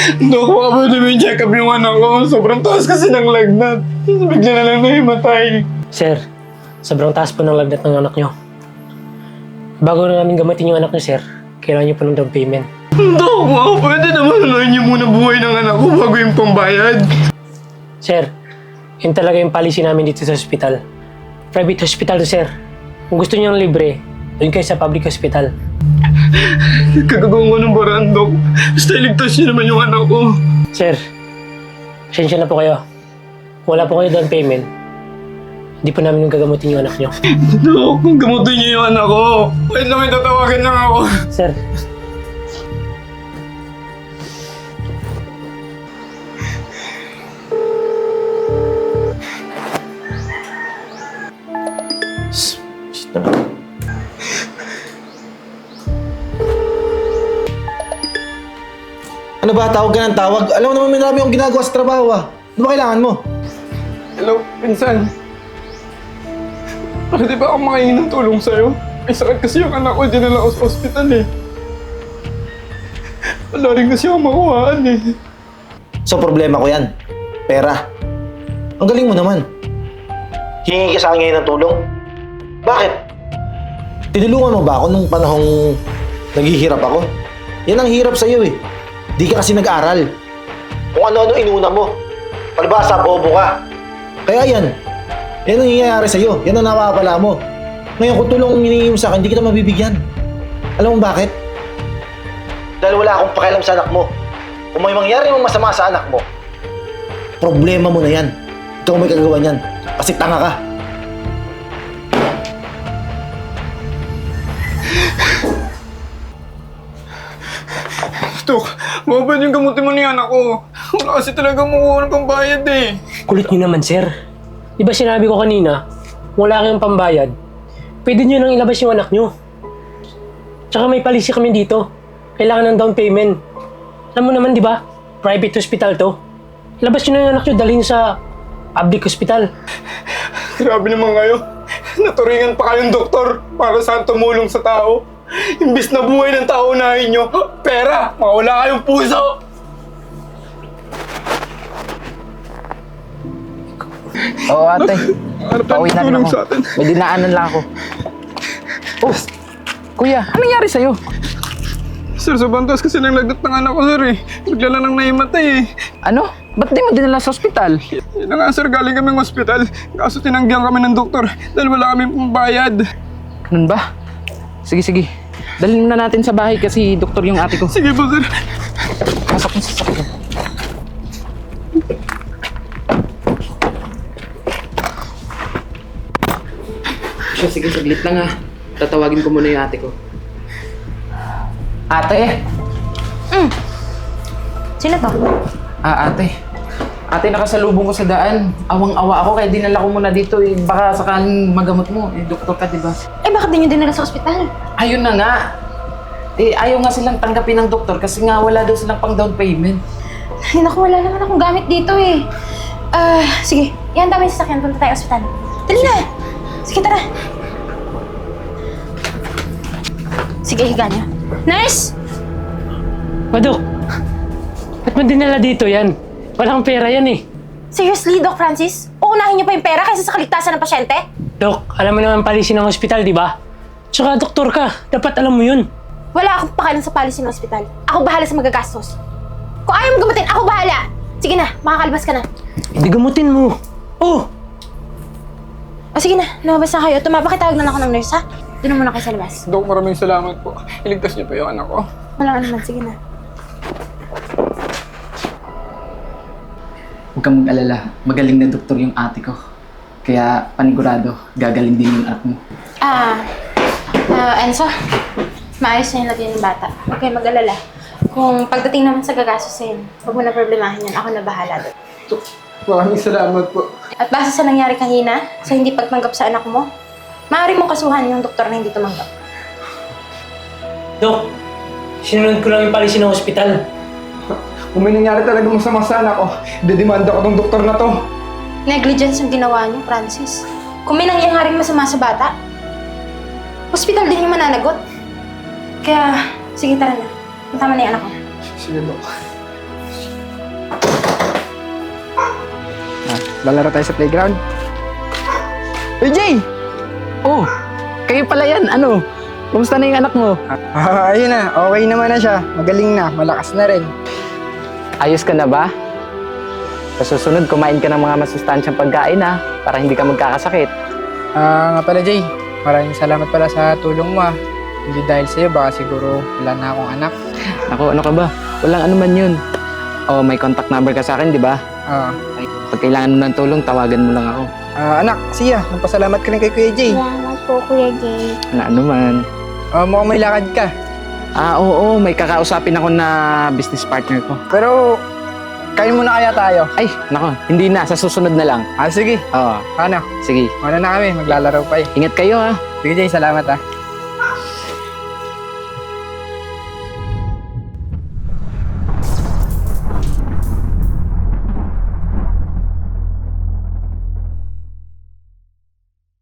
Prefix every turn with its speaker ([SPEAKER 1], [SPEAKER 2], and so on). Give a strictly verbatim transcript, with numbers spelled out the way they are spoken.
[SPEAKER 1] Dok, baka pwede may check up yung anak ko. Sobrang taas kasi ng lagnat. Bigla na lang nahimatay.
[SPEAKER 2] Sir, sobrang taas po ng lagnat ng anak nyo. Bago na namin gamitin yung anak nyo, sir, kailangan nyo po ng down payment.
[SPEAKER 1] Dok, baka pwede naman unahin niyo muna buhay ng anak ko bago yung pambayad.
[SPEAKER 2] Sir, yun talaga yung policy namin dito sa hospital. Private hospital to, sir. Kung gusto nyo ng libre, doon kayo sa public hospital.
[SPEAKER 1] Kagagawa ko ng baraan, Dok. Basta iligtas niyo naman yung anak ko.
[SPEAKER 2] Sir, pasensya na po kayo. Kung wala po kayo down payment, hindi po namin gagamutin yung anak nyo.
[SPEAKER 1] Dok, kung gamutin niyo yung anak ko, wait lang, may tatawagan lang ako.
[SPEAKER 2] Sir,
[SPEAKER 3] Ano ba? Tawag ka ng tawag? Alam mo naman may marami akong ginagawa sa trabaho ah. Ano ba kailangan mo?
[SPEAKER 1] Hello, pinsan. Pwede ba ako makahingi ng tulong sa'yo? May sakit kasi yung anak ko, dinala ko sa ospital eh. Wala rin kasi ako makuhaan eh.
[SPEAKER 3] So problema ko yan. Pera. Ang galing mo naman. Hingi ka sa akin ngayon ng tulong? Bakit? Tinulungan mo ba ako nung panahong naghihirap ako? Yan ang hirap sa'yo eh. Di ka kasi nag-aral. Kung ano-ano inuna mo. Palibasa, bobo ka. Kaya yan. Yan ang nangyayari sa'yo. Yan ang nawawala mo. Ngayon kung tulong ang hinihingi mo sa akin, di kita mabibigyan. Alam mo bakit? Dahil wala akong pakialam sa anak mo. Kung may mangyari mong masama sa anak mo, problema mo na yan. Ikaw may kagagawa niyan. Kasi tanga ka.
[SPEAKER 1] Dok, mababad yung gamutin mo ni anak ko. Wala kasi talaga makuha ng pambayad eh.
[SPEAKER 2] kulit nyo naman, sir. Di ba sinabi ko kanina, wala kayong pambayad, pwede nyo nang ilabas yung anak nyo. Tsaka may policy kami dito. Kailangan ng down payment. Alam mo naman, di ba? Private hospital to. Ilabas nyo na yung anak nyo, dalhin sa public hospital.
[SPEAKER 1] Grabe naman kayo. Naturingan pa kayong doktor para saan tumulong sa tao. Imbis na buhay ng tao unahin nyo, pera, mawala kayong puso.
[SPEAKER 4] Oo, ate.
[SPEAKER 1] Ano pa
[SPEAKER 4] Pauwi na rin
[SPEAKER 1] tulong
[SPEAKER 4] ako.
[SPEAKER 1] sa atin?
[SPEAKER 4] May dinaanan lang ako. Oh, kuya, anong nangyari sa'yo?
[SPEAKER 1] Sir, sobrang taas kasi ng lagnat ng anak ko, sir eh. Bigla na lang nahimatay eh.
[SPEAKER 4] Ano? Ba't di mo dinala sa ospital?
[SPEAKER 1] Yun na nga, sir, galing kaming ospital. Kaso tinanggihan kami ng doktor dahil wala kaming pambayad.
[SPEAKER 4] Ganun ba? Sige, sige. Dalhin muna natin sa bahay kasi doktor yung ate ko.
[SPEAKER 1] Sige po, sir.
[SPEAKER 4] Pasok mo sa sakyan. Sige, sige, saglit lang ha. Tatawagin ko muna yung ate ko. Ate!
[SPEAKER 5] Mm. Sino to?
[SPEAKER 4] Ah, ate. Ate, nakasalubong ko sa daan. Awang-awa ako kaya dinala ko muna dito eh. Baka sakaling magamot mo. Eh, doktor ka, di ba?
[SPEAKER 5] Eh, bakit di nyo dinala sa ospital?
[SPEAKER 4] Ayun na nga. Eh, ayaw nga silang tanggapin ng doktor kasi nga wala daw silang pang down payment.
[SPEAKER 5] Ay, naku, wala naman akong gamit dito eh. Ah, sige. Yan dami sa sasakyan. Punta tayo ospital. Dali na! Sige, tara. Sige, higa niyo. Nurse!
[SPEAKER 2] O, Dok, ba't mo dinala dito yan? Walang pera yan eh.
[SPEAKER 5] Seriously, Doc Francis? Uunahin niyo pa yung pera kaysa sa kaligtasan ng pasyente?
[SPEAKER 2] Dok, alam mo naman policy ng hospital, di ba? Tsaka doktor ka, dapat alam mo yun.
[SPEAKER 5] Wala akong pakialam sa policy ng ospital. Ako bahala sa magagastos. Kung ayaw mo gamutin, ako bahala! Sige na, makakalabas ka na.
[SPEAKER 2] Hindi gamutin mo. Oh!
[SPEAKER 5] O sige na, lumabas na kayo. Tumapakitawag na lang ako ng nurse, ha? Doon na muna kayo sa labas.
[SPEAKER 1] Dok, maraming salamat po. Iligtas niyo po yung anak ko.
[SPEAKER 5] Walang anuman, sige na.
[SPEAKER 4] Huwag kang mag-alala. Magaling na doktor yung ate ko. Kaya panigurado, gagaling din yung anak mo.
[SPEAKER 5] Ah, ah, Enzo, maayos na yung lagyan ng bata. Huwag kayong mag-alala. Kung pagdating naman sa gagastusin, huwag mo na problemahin yan. Ako na bahala doon.
[SPEAKER 1] Dok, maraming salamat po.
[SPEAKER 5] At base sa nangyari kanina, sa hindi pagtanggap sa anak mo, maaari mong kasuhan yung doktor na hindi tumanggap.
[SPEAKER 2] Dok, sinunod ko lang yung policy ng hospital.
[SPEAKER 1] Kung may nangyari talaga masama sa anak ko, dedemanda ko tong doktor na to.
[SPEAKER 5] Negligence yung ginawa niyo, Francis. Kung may nangyayaring masama sa bata, hospital din yung mananagot. Kaya, sige tara na. Tama na yung anak ko.
[SPEAKER 1] Sige, Dok.
[SPEAKER 4] lalaro tayo sa playground. Uy, Jay! Oh, kayo pala yan. Ano? Kumusta na yung anak mo?
[SPEAKER 6] Ah, ayun na. Okay naman na siya. Magaling na. Malakas na rin.
[SPEAKER 4] Ayos ka na ba? Sa susunod, kumain ka ng mga masustansyang pagkain ha, para hindi ka magkakasakit.
[SPEAKER 6] Ah, nga pala, Jay. Maraming salamat pala sa tulong mo ah. Hindi dahil sa'yo, baka siguro wala na akong anak.
[SPEAKER 4] Ako, ano ka ba? Walang ano man yun. Oh, may contact number ka sa akin, di ba?
[SPEAKER 6] Ah,
[SPEAKER 4] Pag kailangan mo ng tulong, tawagan mo lang ako.
[SPEAKER 6] ah, anak, siya. Magpasalamat ka rin kay Kuya Jay.
[SPEAKER 5] Salamat po, Kuya Jay.
[SPEAKER 4] Ano, ano man.
[SPEAKER 6] Ah, mukhang may lakad ka.
[SPEAKER 4] Ah, oo, may kakausapin ako na business partner ko.
[SPEAKER 6] Pero, kain muna kaya tayo.
[SPEAKER 4] Ay, nako, hindi na. Sa susunod na lang.
[SPEAKER 6] Ah, sige.
[SPEAKER 4] Oo,
[SPEAKER 6] Ano?
[SPEAKER 4] sige.
[SPEAKER 6] Ano na kami? Maglalaro pa eh.
[SPEAKER 4] Ingat kayo ha.
[SPEAKER 6] Sige, Jay. Salamat ah.